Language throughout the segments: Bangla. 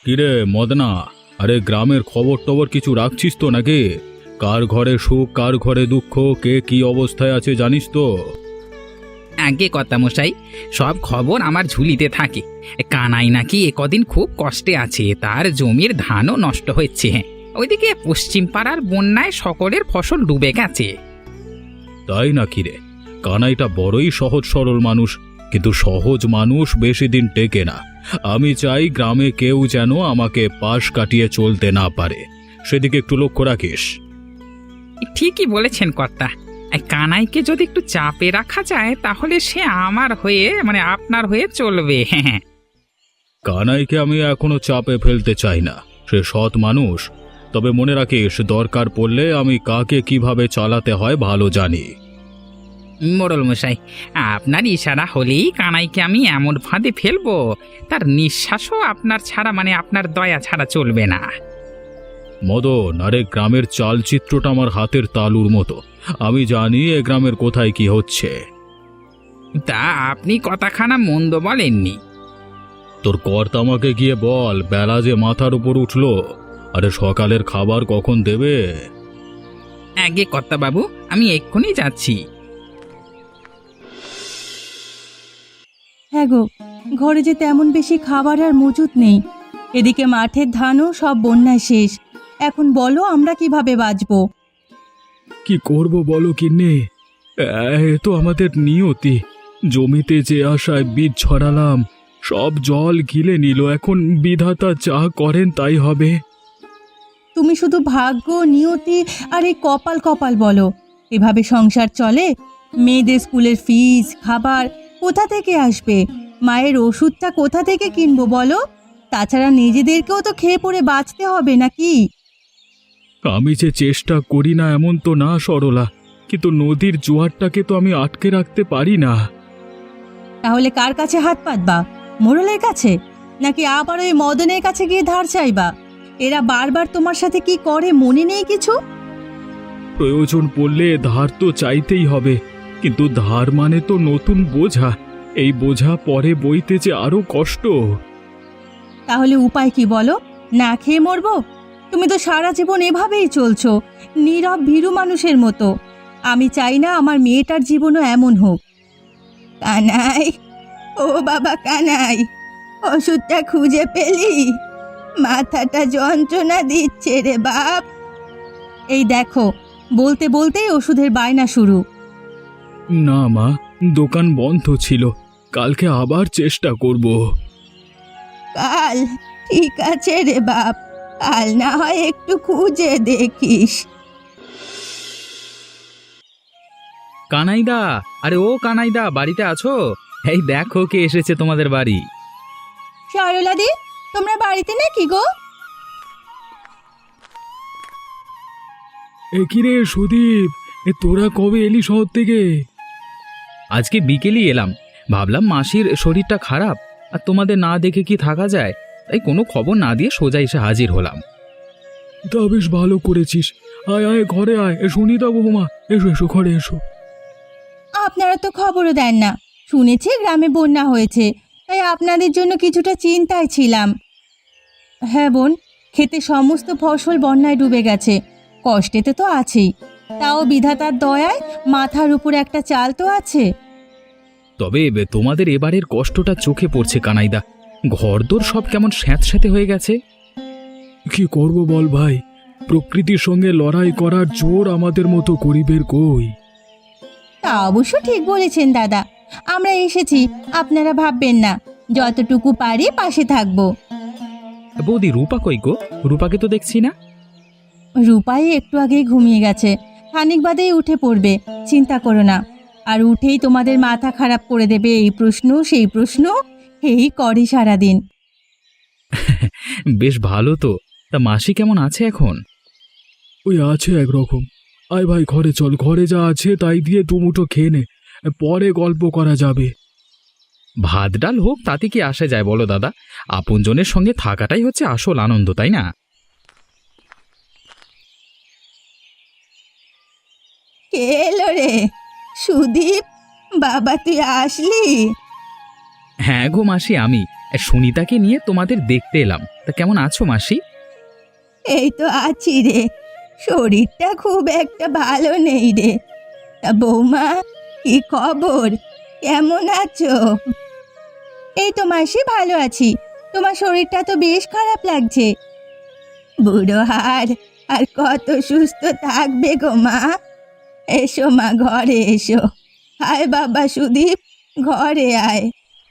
কিরে মদনা, আরে গ্রামের খবর টবর কিছু রাখছিস তো নাকি? কার ঘরে সুখ কার ঘরে দুঃখ, কে কি অবস্থায় আছে জানিস তো? আগে কর্তামশাই, সব খবর আমার ঝুলিতে থাকে। কানাই নাকি কদিন খুব কষ্টে আছে, তার জমির ধানও নষ্ট হচ্ছে। ওইদিকে পশ্চিম পাড়ার বন্যায় সকলের ফসল ডুবে গেছে। তাই নাকি রে? কানাইটা বড়ই সহজ সরল মানুষ, কিন্তু সহজ মানুষ বেশি দিন টেকে না। আমি চাই গ্রামে কেউ যেন আমাকে পাশ কাটিয়ে চলতে না পারে, সেদিকে একটু লক্ষ্য রাখিস। ঠিকই বলেছেন কর্তা। এই কানাইকে যদি একটু চাপে রাখা যায় তাহলে সে আমার হয়ে মানে আপনার হয়ে চলবে। হ্যাঁ, কানাইকে আমি এখনো চাপে ফেলতে চাই না, সে সৎ মানুষ। তবে মনে রাখিস, দরকার পড়লে আমি কাকে কিভাবে চালাতে হয় ভালো জানি। মোড়ল মশাই, আপনার ইশারা হলেই কানাইকে আমি এমন ফাঁদে ফেলবো, তার নিঃশ্বাসও আপনার ছাড়া মানে আপনার দয়া ছাড়া চলবে না। মদন, আরে গ্রামের চালচিত্রটা আমার হাতের তালুর মতো। আমি জানি এ গ্রামের কোথায় কি হচ্ছে। তা আপনি কথাখানা মন্দ বলেননি। তোর কর্তা আমাকে গিয়ে বল, বেলা যে মাথার উপর উঠলো, আরে সকালের খাবার কখন দেবে? আগে কর্তা বাবু, আমি এক্ষুনি যাচ্ছি। হ্যাঁ গো, ঘরে যে তেমন বেশি খাবার আর মজুত নেই। এদিকে মাঠের ধানও সব বন্যায় শেষ। এখন বলো আমরা কিভাবে বাঁচবো? কি করব বলো কিন্নি, এ তো আমাদের নিয়তি। জমিতে যে আশায় বীজ ছড়ালাম, সব জল গিলে নিল। এখন বিধাতা যা করেন তাই হবে। তুমি শুধু ভাগ্য, নিয়তি আর এই কপাল কপাল বলো। এভাবে সংসার চলে? মেয়েদের স্কুলের ফিস, খাবার কোথা থেকে আসবে? মায়ের ওষুধটা কোথা থেকে কিনবো বলো? তাছাড়া নিজেদেরকেও তো খেয়ে পড়ে বাঁচতে হবে নাকি? আমি যে চেষ্টা করি না এমন তো না সরলা, কিন্তু নদীর জোয়ারটাকে তো আমি আটকে রাখতে পারি না। তাহলে কার কাছে হাত পাতবা? মোড়লের কাছে? নাকি আবার ওই মদনের কাছে গিয়ে ধার চাইবা? এরা বারবার তোমার সাথে কি করে মনে নেই কিছু? প্রয়োজন পড়লে ধার তো চাইতেই হবে, কিন্তু ধার মানে তো নতুন বোঝা। এই বোঝা পরে বইতে যে আরো কষ্ট। তাহলে উপায় কি বলো? না খেয়ে মরবো? তুমি তো সারা জীবন এভাবেই চলছো, নীরব ভীরু মানুষের মতো। আমি চাই না আমার মেয়েটার জীবনও এমন হোক। কানাই, ও বাবা কানাই, ওষুধটা খুঁজে পেলি? মাথাটা যন্ত্রণা দিচ্ছে রে বাপ। এই দেখো, বলতে বলতেই ওষুধের বায়না শুরু। না মা, দোকান বন্ধ ছিল, কালকে আবার চেষ্টা করব। কাল? ঠিক আছে রে বাপ, কাল না হয় একটু খুঁজে দেখিস। কানাইদা, আরে ও কানাইদা, বাড়িতে আছো? এই দেখো কে এসেছে তোমাদের বাড়ি। সরলাদি, তোমরা বাড়িতে নাকি গো? এ কিরে সুদীপ, তোরা কবে এলি শহর থেকে? আজকে বিকেলই এলাম, ভাবলাম মাসির শরীরটা খারাপ, আর তোমাদের না দেখে কি থাকা যায়, তাই কোনো খবর না দিয়ে সোজা এসে হাজির হলাম। তা বেশ ভালো করেছিস। আয় আয়, ঘরে আয়। সুনিতা বৌমা, এসো এসো, ঘরে এসো। আপনারা তো খবরও দেন না। শুনেছি গ্রামে বন্যা হয়েছে, তাই আপনাদের জন্য কিছুটা চিন্তায় ছিলাম। হ্যাঁ বোন, ক্ষেতে সমস্ত ফসল বন্যায় ডুবে গেছে। কষ্টেতে তো আছেই, তাও বিধাতার দয়ায় মাথার উপর একটা চাল তো আছে। তবে তোমাদের এবারের কষ্টটা চোখে পড়ছে কানাইদা, ঘরদোর সব কেমন স্যাঁতস্যাঁতে হয়ে গেছে। কি করব বল ভাই, প্রকৃতির সঙ্গে লড়াই করার জোর আমাদের মতো গরিবের কই। তা অবশ্য ঠিক বলেছেন দাদা। আমরা এসেছি, আপনারা ভাববেন না। যতটুকু পারি পাশে থাকবো। বৌদি, রূপা কই গো? রূপাকে তো দেখছি না। রূপাই একটু আগেই ঘুমিয়ে গেছে, খানিক বাদেই উঠে পড়বে। চিন্তা করো না। আর উঠেই তোমাদের মাথা খারাপ করে দেবে, এই প্রশ্ন সেই প্রশ্ন, এই করে সারাদিন। বেশ ভালো তো। তা মাসি কেমন আছে এখন? ওই আছে একরকম। আয় ভাই, ঘরে চল, ঘরে যা আছে তাই দিয়ে দুমুঠো খেয়ে নে, পরে গল্প করা যাবে। ভাত ডাল হোক তাতে কি আসে যায় বলো দাদা, আপনজনের সঙ্গে থাকাটাই হচ্ছে আসল আনন্দ, তাই না? কে এলো রে? সুদীপ, বাবা তুই আসলি? হ্যাঁ গো মাসি, আমি সুনিতাকে নিয়ে তোমাদের দেখতে এলাম। তা কেমন আছো মাসি? এই তো আছি রে, শরীরটা খুব একটা ভালো নেই রে। তা বৌমা, কি খবর, কেমন আছো? এই তো মাসি, ভালো আছি। তোমার শরীরটা তো বেশ খারাপ লাগছে। বুড়ো হার আর কত সুস্থ থাকবে গো মা। এসো মা, ঘরে এসো। আয় বাবা সুদীপ, ঘরে আয়।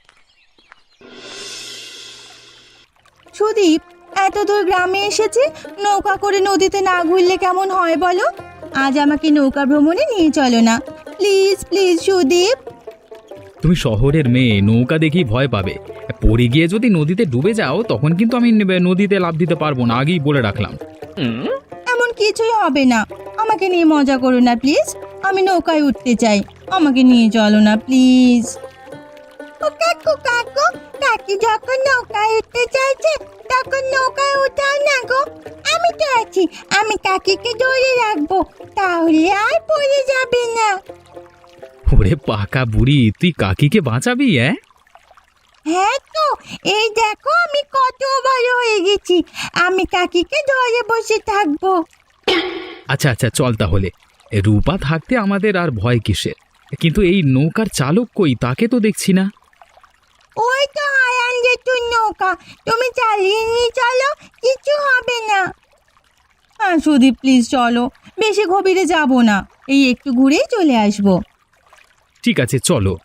সুদীপ, এত দূর গ্রামে এসেছে, নৌকা করে নদীতে না ঘুরলে কেমন হয় বলো? আজ আমাকে নৌকা ভ্রমণে নিয়ে চলো না, প্লিজ প্লিজ সুদীপ। তুমি শহরের মেয়ে, নৌকা দেখেই ভয় পাবে। পড়ে গিয়ে যদি নদীতে ডুবে যাও তখন কিন্তু আমি নদীতে লাফ দিতে পারবো না, আগেই বলে রাখলাম। এমন কিছুই হবে না, আমাকে নিয়ে মজা করো না প্লিজ। আমি নৌকায় উঠতে চাই, আমাকে নিয়ে চলো না প্লিজ। ও কাকু কাকু, কাকি যখন নৌকায় উঠতে চাইছে তখন নৌকায় উঠাও না গো। আমি তো আছি, আমি কাকিকে ধরে রাখবো, তাহলে আর পড়ে যাবে না। ওরে পাকা বুড়ি, তুই কাকিকে বাঁচাবি? হ্যাঁ তো, এই দেখো আমি কত বড় হয়ে গেছি, আমি কাকিকে ধরে বসে থাকবো। আচ্ছা আচ্ছা, চল তাহলে। রূপা থাকতে আমাদের আর ভয় কিসের? কিন্তু এই নৌকার চালক কই, তাকে তো দেখছি না। ওই তো হারান জেঠুর নৌকা, তুমি চালিয়ে নিয়ে চলো, কিছু হবে না। হ্যাঁ সুদীপ, প্লিজ চলো, বেশি গভীরে যাব না, এই একটু ঘুরেই চলে আসবো। ঠিক আছে, চলো।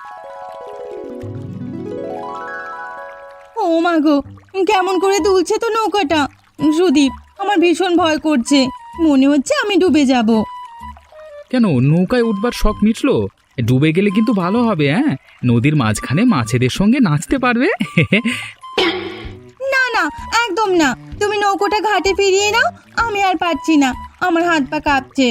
ও মা গো, কেমন করে দুলছে তো নৌকাটা। সুদীপ, আমার ভীষণ ভয় করছে, মনে হচ্ছে আমি ডুবে যাব। কেন, নৌকায় উঠবার শখ মিটলো? ডুবে গেলে কিন্তু ভালো হবে। নদীর মাঝখানে মাছেদের সঙ্গে নাচতে পারবে। না না, একদম না, তুমি নৌকোটা ঘাটে ফিরিয়ে নাও, আমি আর পারছি না, আমার হাত পা কাঁপছে।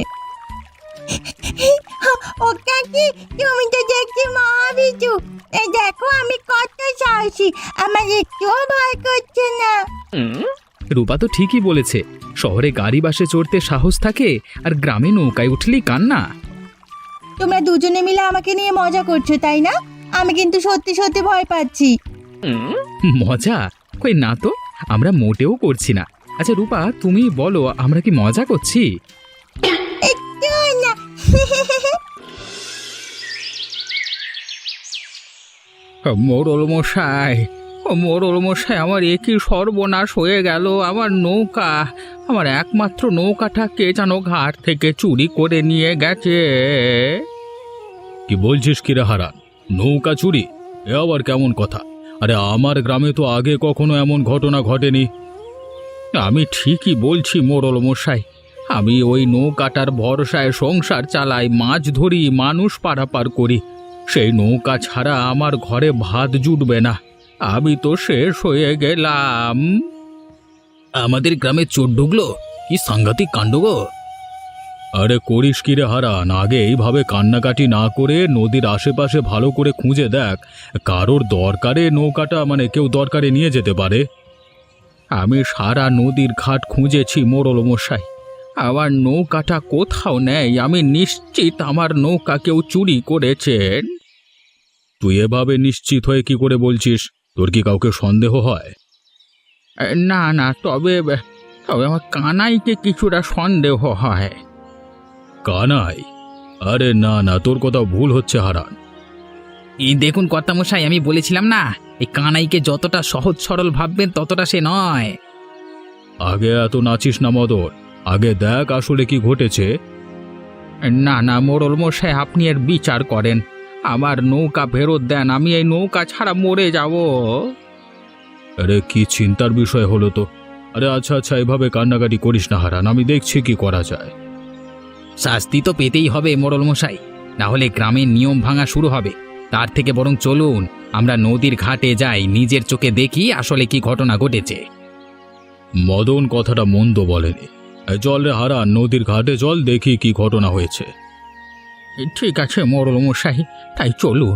ও কাকি, তুমি তো দেখছি মহাবিচু। এই দেখো আমি কত সাহসী, আমার একটুও ভয় করছে না। রূপা তো ঠিকই বলেছে, শহরে গাড়ি বাসে চড়তে সাহস থাকে, আর গ্রামে নৌকায় উঠলেই কান্না। তোমরা দুজনে মিলে আমাকে নিয়ে মজা করছো তাই না? আমি কিন্তু সত্যি সত্যি ভয় পাচ্ছি। মজা? কই না তো, আমরা মোটেও করছি না। আচ্ছা রূপা, তুমি বলো, আমরা কি মজা করছি? একটুও না। মোড়ল মশাই, ও মোড়ল মশাই, আমার একই সর্বনাশ হয়ে গেল। আমার নৌকা, আমার একমাত্র নৌকাটা কে যেন ঘাট থেকে চুরি করে নিয়ে গেছে। কি বলছিস কি রে হারান, নৌকা চুরি? এ আবার কেমন কথা? আরে আমার গ্রামে তো আগে কখনো এমন ঘটনা ঘটেনি। আমি ঠিকই বলছি মোড়ল মশাই, আমি ওই নৌকাটার ভরসায় সংসার চালাই, মাছ ধরি, মানুষ পারাপার করি। সেই নৌকা ছাড়া আমার ঘরে ভাত জুটবে না, আমি তো শেষ হয়ে গেলাম। আমাদের গ্রামে চোর ঢুকলো, কি সাংঘাতিক কাণ্ড গো! আরে করিস কি রে হারান, আগে এইভাবে কান্নাকাটি না করে নদীর আশেপাশে ভালো করে খুঁজে দেখ, কারোর দরকারে নৌকাটা কেউ দরকারে নিয়ে যেতে পারে। আমি সারা নদীর ঘাট খুঁজেছি মোড়ল মশাই, আমার নৌকাটা কোথাও নেই। আমি নিশ্চিত আমার নৌকা কেউ চুরি করেছেন। তুই এভাবে নিশ্চিত হয়ে কি করে বলছিস? তোর কি কাউকে সন্দেহ হয়? না না, তবে তবে আমার কানাইকে কিছুটা সন্দেহ হয়। কানাই? আরে না না, তোর কোথাও ভুল হচ্ছে হারান। এই দেখুন কর্তামশাই, আমি বলেছিলাম না, এই কানাইকে যতটা সহজ সরল ভাববেন ততটা সে নয়। আগে এত নাচিস না মদন, আগে দেখ আসলে কি ঘটেছে। না না মোড়ল মশাই, আপনি এর বিচার করেন, আমার নৌকা ফেরত দেন, আমি এই নৌকা ছাড়া মরে যাব। আরে কি চিন্তার বিষয় হলো তো। আরে আচ্ছা আচ্ছা, এভাবে কান্নাকাটি করিস না হারান, আমি দেখছি কি করা যায়। শাস্তি তো পেতেই হবে মোড়ল মশাই, না হলে গ্রামের নিয়ম ভাঙা শুরু হবে। তার থেকে বরং চলুন আমরা নদীর ঘাটে যাই, নিজের চোখে দেখি আসলে কি ঘটনা ঘটেছে। মদন কথাটা মন্দ বলেনি। চল রে হারান, নদীর ঘাটে চল, দেখি কি ঘটনা হয়েছে। ঠিক আছে মোড়ল মশাই, তাই চলুন।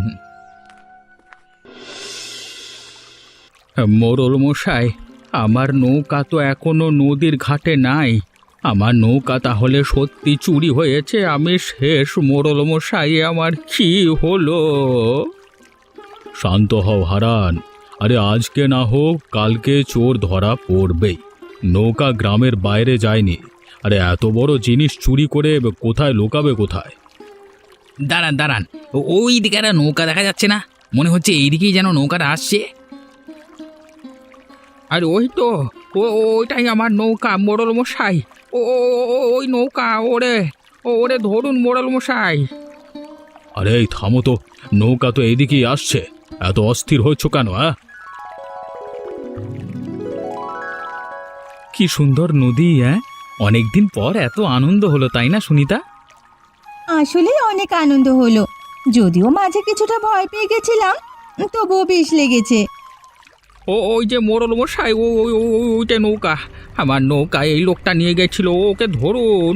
মোড়ল মশাই, আমার নৌকা তো এখনো নদীর ঘাটে নাই। আমার নৌকা তাহলে সত্যি চুরি হয়েছে, আমি শেষ মোড়ল মশাই, আমার কি হলো? শান্ত হও হারান, আরে আজকে না হোক কালকে চোর ধরা পড়বেই। নৌকা গ্রামের বাইরে যায়নি। আরে এত বড় জিনিস চুরি করে কোথায় লোকাবে কোথায়? দাঁড়ান দাঁড়ান, ওই দিকে একটা নৌকা দেখা যাচ্ছে না? মনে হচ্ছে এইদিকেই যেন নৌকাটা আসছে। আর ওই তো ওইটাই আমার নৌকা মোড়ল মশাই। ওই নৌকা, ওরে ওরে ধরুন মোড়ল মশাই। আরে এই থামো তো, নৌকা তো এইদিকেই আসছে, এত অস্থির হচ্ছ কেন? কি সুন্দর নদী! অনেকদিন পর এত আনন্দ হলো, তাই না সুনিতা? আসলে অনেক আনন্দ হলো, যদিও মাঝে কিছুটা ভয় পেয়ে গেছিলাম, তবুও বেশ লেগেছে। ওই যে মোড়ল মশাই, ওইটা নৌকা, আমার নৌকা এই লোকটা নিয়ে গেছিল, ওকে ধরুন।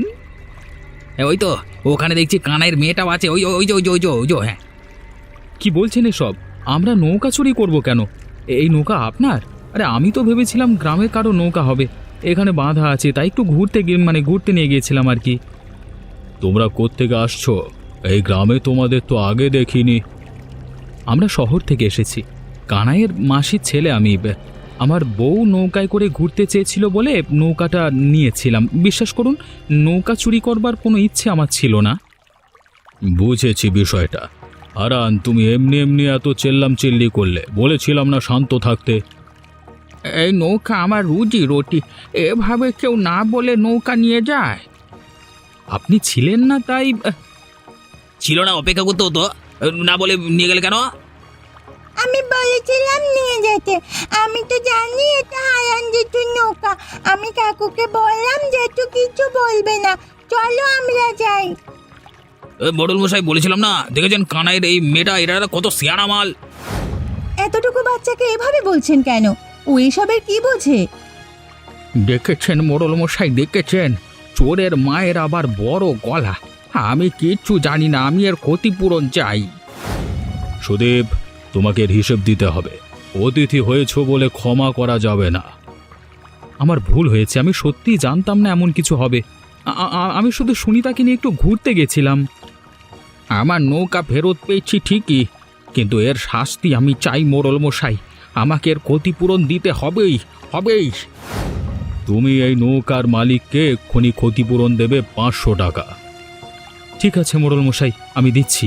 ওই তো ওখানে দেখছি কানাইয়ের মেয়েটাও আছে, ওই ওই যে ওই যে ওই যে ওই যে হ্যাঁ। কি বলছেন এসব? আমরা নৌকা চুরি করব কেন? এই নৌকা আপনার? আরে আমি তো ভেবেছিলাম গ্রামের কারো নৌকা হবে, এখানে বাঁধা আছে, তাই একটু ঘুরতে নিয়ে গিয়েছিলাম আর কি। তোমরা কোত্থেকে আসছো? এই গ্রামে তোমাদের তো আগে দেখিনি। আমরা শহর থেকে এসেছি, কানাইয়ের মাসির ছেলে আমি। আমার বউ নৌকায় করে ঘুরতে চেয়েছিল বলে নৌকাটা নিয়েছিলাম। বিশ্বাস করুন, নৌকা চুরি করবার কোনো ইচ্ছে আমার ছিল না। বুঝেছি বিষয়টা। হারান, তুমি এমনি এমনি এত চেল্লাম চিল্লি করলে, বলেছিলাম না শান্ত থাকতে। এই নৌকা আমার রুজি রুটি, এভাবে কেউ না বলে নৌকা নিয়ে যায়? আপনি ছিলেন না তাই। ছিল না, অপেক্ষা করতে হতো, না বলে নিয়ে গেলে কেন? আমি বলেছিলাম নিয়ে যেতে, আমি তো জানি এটা হারান জেঠুর নৌকা। আমি কাকুকে বললাম জেঠু কিছু বলবে না, চলো আমরা যাই। মোড়ল মশাই বলেছিলাম না, দেখেছেন কানাইয়ের এই মেয়েটা, এরা কত সিয়ানা মাল। এতটুকু বাচ্চাকে এভাবে বলছেন কেন? ও এসবের কি বোঝে? দেখেছেন মোড়ল মশাই, দেখেছেন? চোরের মায়ের আবার বড় গলা। আমি কিচ্ছু জানি না, আমি এর ক্ষতিপূরণ চাই। সুদীপ, তোমাকে এর হিসেব দিতে হবে। অতিথি হয়েছ বলে ক্ষমা করা যাবে না। আমার ভুল হয়েছে, আমি সত্যিই জানতাম না এমন কিছু হবে। আমি শুধু সুনিতাকে নিয়ে একটু ঘুরতে গেছিলাম। আমার নৌকা ফেরত পেয়েছি ঠিকই, কিন্তু এর শাস্তি আমি চাই মোড়ল মশাই। আমাকে এর ক্ষতিপূরণ দিতে হবেই হবেই। তুমি এই নৌকার মালিককে এক্ষুনি ক্ষতিপূরণ দেবে 500 টাকা। ঠিক আছে মোড়ল মশাই, আমি দিচ্ছি।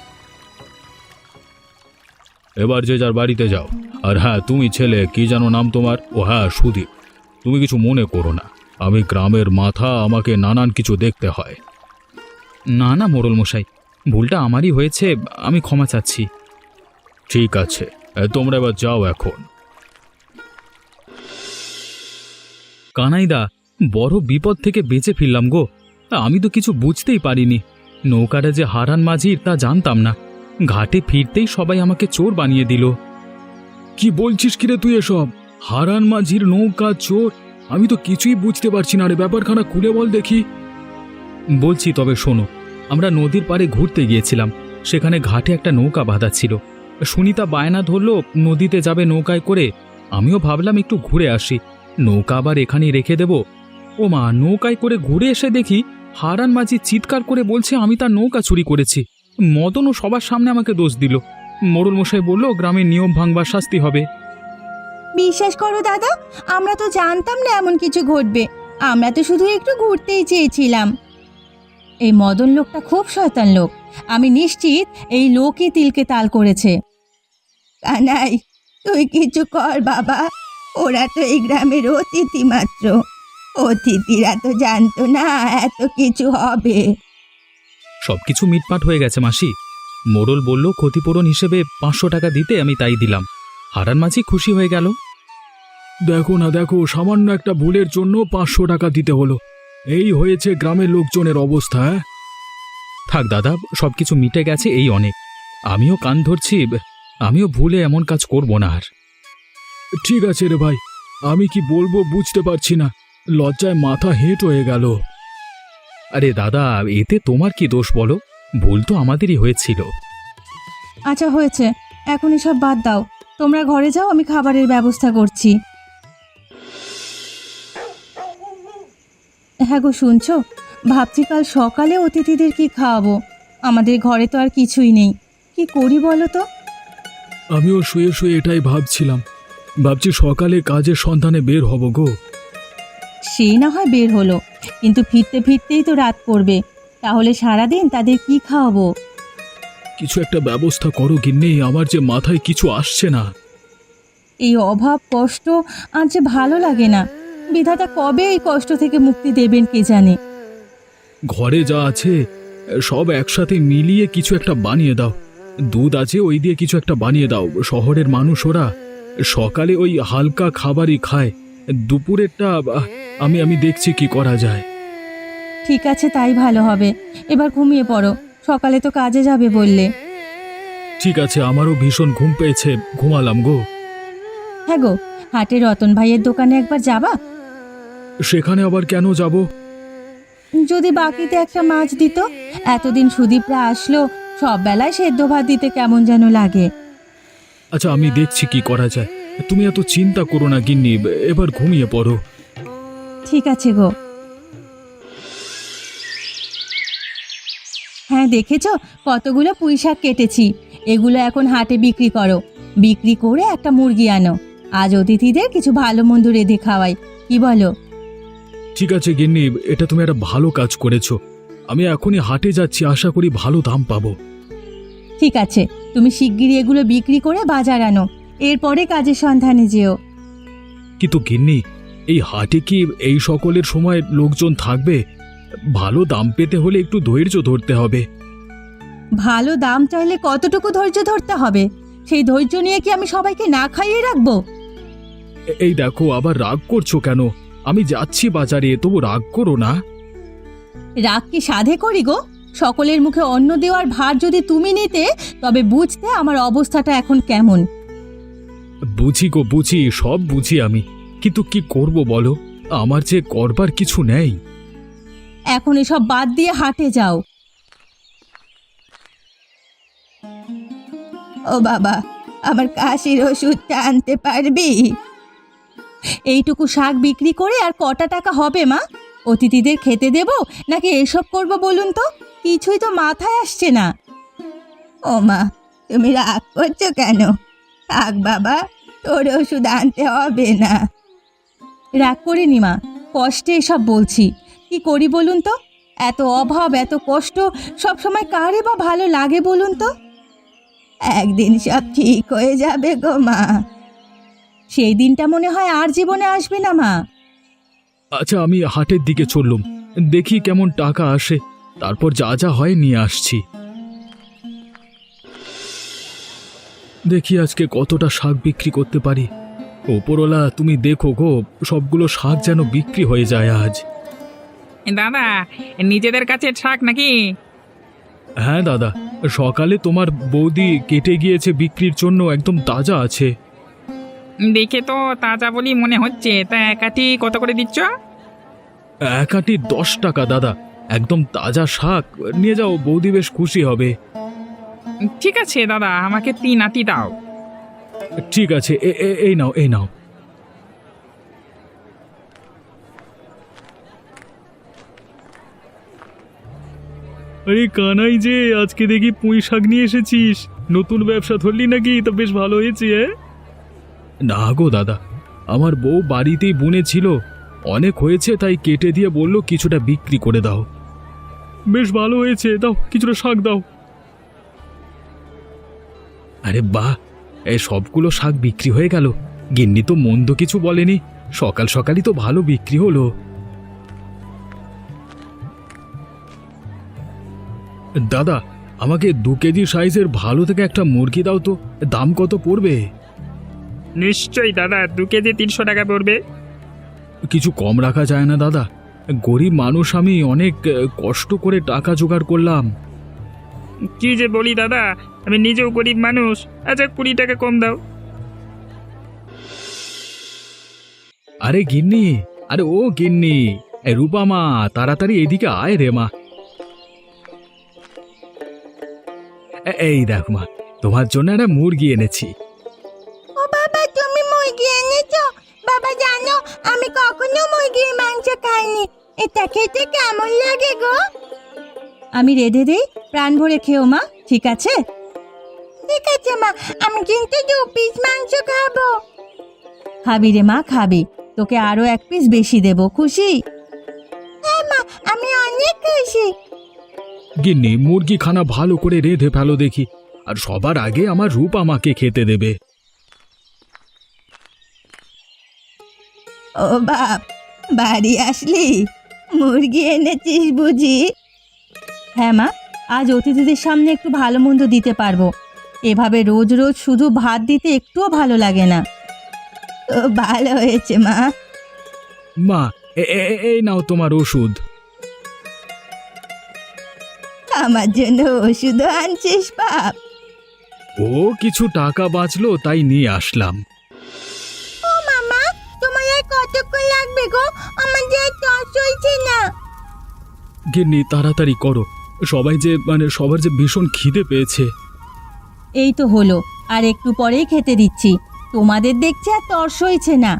এবার যে যার বাড়িতে যাও। আর হ্যাঁ, তুমি ছেলে, কি যেন নাম তোমার? ও হ্যাঁ, সুদীপ। তুমি কিছু মনে করো না, আমি গ্রামের মাথা, আমাকে নানান কিছু দেখতে হয়। না না মোড়ল মশাই, ভুলটা আমারই হয়েছে, আমি ক্ষমা চাচ্ছি। ঠিক আছে, তোমরা এবার যাও এখন। কানাইদা, বড় বিপদ থেকে বেঁচে ফিরলাম গো। আমি তো কিছু বুঝতেই পারিনি। নৌকাটা যে হারান মাঝির তা জানতাম না। ঘাটে ফিরতেই সবাই আমাকে চোর বানিয়ে দিল। কি বলছিস কিরে তুই এসব? হারান মাঝির নৌকা চোর? আমি তো কিছুই বুঝতে পারছি না রে, ব্যাপারখানা খুলে বল দেখি। বলছি, তবে শোনো। আমরা নদীর পাড়ে ঘুরতে গিয়েছিলাম, সেখানে ঘাটে একটা নৌকা বাঁধা ছিল। সুনিতা বায়না ধরলো নদীতে যাবে নৌকায় করে। আমিও ভাবলাম একটু ঘুরে আসি, নৌকা আবার এখানেই রেখে দেব। ও মা, নৌকায় করে ঘুরে এসে দেখি হারান মাঝি চিৎকার করে বলছে আমি তার নৌকা চুরি করেছি। মদনও সবার সামনে আমাকে দোষ দিল। মোড়ল মশাই বলল গ্রামের নিয়ম ভাঙবার শাস্তি হবে। বিশ্বাস করো দাদা, আমরা তো জানতাম না এমন কিছু ঘটবে। আমরা তো শুধু একটু ঘুরতেই চেয়েছিলাম। এই মদন লোকটা খুব শয়তান লোক। আমি নিশ্চিত এই লোকই তিলকে তাল করেছে। কানাই, তুই কিছু কর বাবা। ওরা তো এই গ্রামের অতিথি মাত্র। অতিথিরা তো জানতো না এত কিছু হবে। সবকিছু মিটমাট হয়ে গেছে মাসি। মোড়ল বলল ক্ষতিপূরণ হিসেবে 500 টাকা দিতে, আমি তাই দিলাম। হারান মাঝি খুশি হয়ে গেল। দেখো না দেখো, সামান্য একটা ভুলের জন্য 500 টাকা দিতে হলো। এই হয়েছে গ্রামের লোকজনের অবস্থা। থাক দাদা, সবকিছু মিটে গেছে, এই অনেক। আমিও কান ধরছি, আমিও ভুলে এমন কাজ করব না আর। ঠিক আছে রে ভাই, আমি কি বলবো বুঝতে পারছি না, লজ্জায় মাথা হেঁট হয়ে গেল। আরে দাদা, এতে তোমার কি দোষ বলো? ভুল তো আমাদেরই হয়েছিল। আচ্ছা হয়েছে, এখন এসব বাদ দাও। তোমরা ঘরে যাও, আমি খাবারের ব্যবস্থা করছি। হ্যাঁ গো, শুনছো? ভাবছি কাল সকালে অতিথিদের কি খাওয়াবো। আমাদের ঘরে তো আর কিছুই নেই, কি করি বলো তো? আমিও শুয়ে শুয়ে এটাই ভাবছিলাম। ভাবছি সকালে কাজের সন্ধানে বের হব গো। সে না হয় বের হলো, কিন্তু ফিরতে ফিরতেই তো রাত পড়বে। তাহলে সারাদিন তাদের কি খাওয়াবো? কিছু একটা ব্যবস্থা করো গিন্নি, আমার যে মাথায় কিছু আসছে না। এই অভাব কষ্ট আর যে ভালো লাগে না। বিধাতা কবে এই কষ্ট থেকে মুক্তি দেবেন কে জানে। ঘরে যা আছে সব একসাথে মিলিয়ে কিছু একটা বানিয়ে দাও। দুধ আছে, ওই দিয়ে কিছু একটা বানিয়ে দাও। শহরের মানুষ ওরা সকালে ওই হালকা খাবারই খায়। দুপুরেরটা আমি দেখছি কি করা যায়। ঠিক আছে, তাই ভালো হবে। এবার ঘুমিয়ে পড়ো, সকালে তো কাজে যাবে বললে। ঠিক আছে, আমারও ভীষণ ঘুম পেয়েছে, ঘুমালাম গো। হ্যাঁ গো, হাটে রতন ভাইয়ের দোকানে একবার যাবা? সেখানে আবার কেন যাব? যদি বাকিতে একটা মাছ দিত। এতদিন সুদীপরা আসলো, সব বেলায় সেদ্ধ ভাত দিতে কেমন যেন লাগে। আচ্ছা, আমি দেখছি কি করা যায়। তুমি এত চিন্তা করো না গিন্নি, এবার ঘুমিয়ে পড়ো। ঠিক আছে গো। হ্যাঁ, দেখেছ কতগুলো পুঁই শাক কেটেছি। এগুলো এখন হাটে বিক্রি করো। বিক্রি করে একটা মুরগি আনো। আজ অতিথিদের কিছু ভালো মন্দ রেঁধে খাওয়াই, কি বলো? ঠিক আছে গিন্নি, এটা তুমি একটা ভালো কাজ করেছো। আমি এখনই হাটে যাচ্ছি, আশা করি ভালো দাম পাবো। ঠিক আছে, তুমি শিগগিরই এগুলো বিক্রি করে বাজার আনো। এরপরে কাজের সন্ধানে যেও। কিন্তু গিন্নি, এই হাটে কি এই সকলের সময় লোকজন থাকবে? ভালো দাম পেতে হলে একটু ধৈর্য ধরতে হবে। ভালো দাম চাইলে কতটুকু ধৈর্য ধরতে হবে? সেই ধৈর্য নিয়ে কি আমি সবাইকে না খাইয়ে রাখবো? এই দেখো, আবার রাগ করছো কেন? আমি যাচ্ছি বাজারে, তবু রাগ করো না। রাগ কি সাধে করি গো? সকলের মুখে অন্ন দেওয়ার ভার যদি তুমি নিতে, তবে বুঝতে আমার অবস্থাটা এখন কেমন। বুঝি গো, বুঝি, সব বুঝি আমি। কিন্তু কি করব বলো, আমার যে করবার কিছু নেই। এখন এসব বাদ দিয়ে হাটে যাও। ও বাবা, আমার কাশির ওষুধটা আনতে পারবি? এইটুকু শাক বিক্রি করে আর কটা টাকা হবে মা? অতিথিদের খেতে দেব নাকি এসব করব বলুন তো? কিছুই তো মাথায় আসছে না। ও মা, তুমি রাগ করছো কেন? থাক বাবা, তোর ওষুধ আনতে হবে না। রাগ করিনি মা, কষ্টে এসব বলছি। কি করি বলুন তো? এত অভাব, এত কষ্ট, সব সময় কারে বা ভালো লাগে বলুন তো? একদিন সব ঠিক হয়ে যাবে গো মা। সেই দিনটা মনে হয় আর জীবনে আসবে না মা। আচ্ছা, আমি হাটের দিকে চললুম, দেখি কেমন টাকা আসে, তারপর যা যা হয় নিয়ে আসছি। দেখি আজকে কতটা শাক বিক্রি করতে পারি। ওপরওয়ালা তুমি দেখো গো, সবগুলো শাক যেন বিক্রি হয়ে যায় আজ। দাদা, নিজেদের কাছে শাক নাকি? হ্যাঁ দাদা, সকালে তোমার বৌদি কেটে গিয়েছে বিক্রির জন্য, একদম তাজা আছে। দেখে তো তাজা বলি মনে হচ্ছে। তা একাটি কত করে দিচ্ছ? এক আঁটি 10 টাকা দাদা, একদম তাজা শাক, নিয়ে যাও, বৌদি বেশ খুশি হবে। ঠিক আছে দাদা, আমাকে 3 আটি দাও। ঠিক আছে, এই নাও, এই নাও। আরে কানাই যে, আজকে দেখি পুঁই শাক নিয়ে এসেছিস। নতুন ব্যবসা ধরলি নাকি? তা বেশ ভালো হয়েছে। না গো দাদা, আমার বউ বাড়িতেই বুনেছিল, অনেক হয়েছে তাই কেটে দিয়ে বলল কিছুটা বিক্রি করে দাও। বেশ ভালো হয়েছে, দাও কিছুটা শাক দাও। আরে বাহ, এই সবগুলো শাক বিক্রি হয়ে গেল। গিন্নি তো মন্দ কিছু বলেনি, সকাল সকালই তো ভালো বিক্রি হলো। দাদা, আমাকে 2 কেজি সাইজের ভালো থেকে একটা মুরগি দাও তো। দাম কত পড়বে? নিশ্চয়ই দাদা, 2 কেজি 300 টাকা পড়বে। কিছু কম রাখা যায় না দাদা? গরিব মানুষ আমি, অনেক কষ্ট করে টাকা জোগাড় করলাম। কি যে বলি দাদা, আমি নিজেও গরিব মানুষ। আচ্ছা 20 টাকা কম দাও। আরে গিন্নি, আরে ও গিন্নি, রূপা মা, তাড়াতাড়ি এদিকে আয় রে মা। এই দেখ মা, তোমার জন্য একটা মুরগি এনেছি। ও বাবা, তুমি মুরগি এনেছো? বাবা জানো, আমি কখনো মুরগির মাংস খাইনি। এটা খেতে কেমন লাগে গো? আমি রেঁধে দেই, প্রাণ ভরে খেও মা, ঠিক আছে? ঠিক আছে মা, আমি কিন্তু 2 পিস মাংস খাবো। খাবি রে মা, খাবি। তোকে আরো 1 পিস বেশি দেব, খুশি? হ্যাঁ মা, আমি অনেক খুশি। গিন্নি, মুরগি খানা ভালো করে রেঁধে ফেলো দেখি, আর সবার আগে আমার রূপ আমাকে খেতে দেবে। ও বাপ, বাড়ি আসলি? মুরগি এনেছিস বুঝি? হ্যাঁ মা, আজ অতিথিদের সামনে একটু ভালো মন্দ দিতে পারবো। এভাবে রোজ রোজ শুধু ভাত দিতে একটুও ভালো লাগে না। তো ভালো হয়েছে মা। মা, এই নাও তোমার ওষুধ। আমার জন্য ওষুধও আনছিস বাপ? ও কিছু টাকা বাঁচলো তাই নিয়ে আসলাম। ও মামা, তোমার আর কতক্ষণ লাগবে গো? আমার যে তর চলছে না। গিন্নি, তাড়াতাড়ি করো, সবার যে ভীষণ খিদে পেয়েছে। এই তো হলো, আর একটু পরেই খেতে দিচ্ছি। তোমাদের দেখছি আর তর্স হয়েছে না।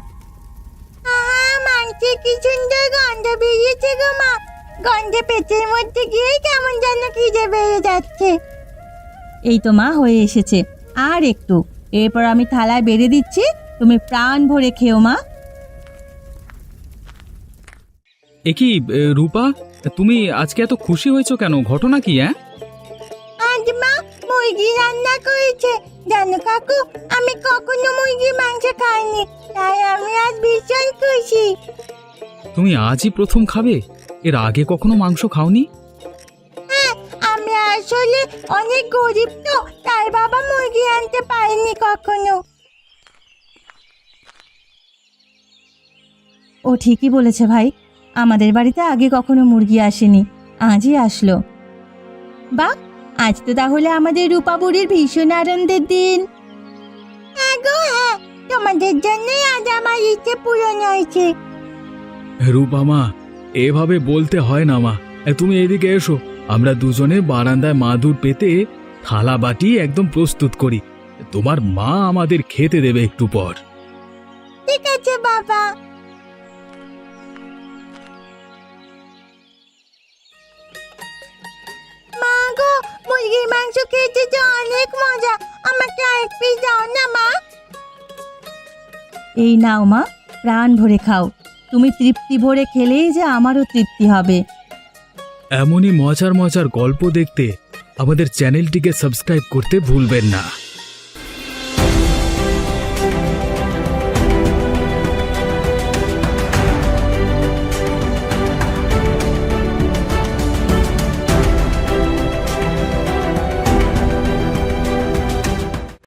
মাংসে কি সুন্দর গন্ধ বেরিয়েছে গো মা। গন্ধে পেটের মধ্যে গিয়ে কেমন যেন খিদে বেড়ে যাচ্ছে। এই তো মা, হয়ে এসেছে, আর একটু। এরপর আমি থালায় বেড়ে দিচ্ছি, তুমি প্রাণ ভরে খেও মা। কি রূপা, তুমি আজকে এত খুশি হয়েছো কেন? ঘটনা কি? আজ মা মুরগি রান্না করেছে। জানো কাকু, আমি কখনো মুরগির মাংস খাইনি, তাই আমি আজ ভীষণ খুশি। তুমি আজই প্রথম খাবে? এর আগে কখনো মাংস খাওনি? হ্যাঁ, আমি আসলে অনেক গরিব, তো তাই বাবা মুরগি আনতে পারেনি কখনো। ও ঠিকই বলেছে ভাই, আমাদের বাড়িতে আগে কখনো মুরগি আসেনি, আজই আসলো। বাহ, আজ তো তাহলে আমাদের রূপা বুড়ির ভীষণ আনন্দের দিন। হ্যাঁ গো হ্যাঁ, তোমাদের জন্যই আজ আমার ইচ্ছে পূরণ হয়েছে। রূপা মা, এভাবে বলতে হয় না মা। তুমি এদিকে এসো, আমরা দুজনে বারান্দায় মাদুর পেতে থালা বাটি একদম প্রস্তুত করি। তোমার মা আমাদের খেতে দেবে একটু পর। ঠিক আছে বাবা। মা গো, মুরগির মাংস খেতে যে অনেক মজা, আমাকে আরেক পিস দাও না মা। এই নাও মা, প্রাণ ভরে খাও। তুমি তৃপ্তি ভরে খেলেই যে আমারও তৃপ্তি হবে। এমনই মজার মজার গল্প দেখতে আমাদের চ্যানেলটিকে সাবস্ক্রাইব করতে ভুলবেন না।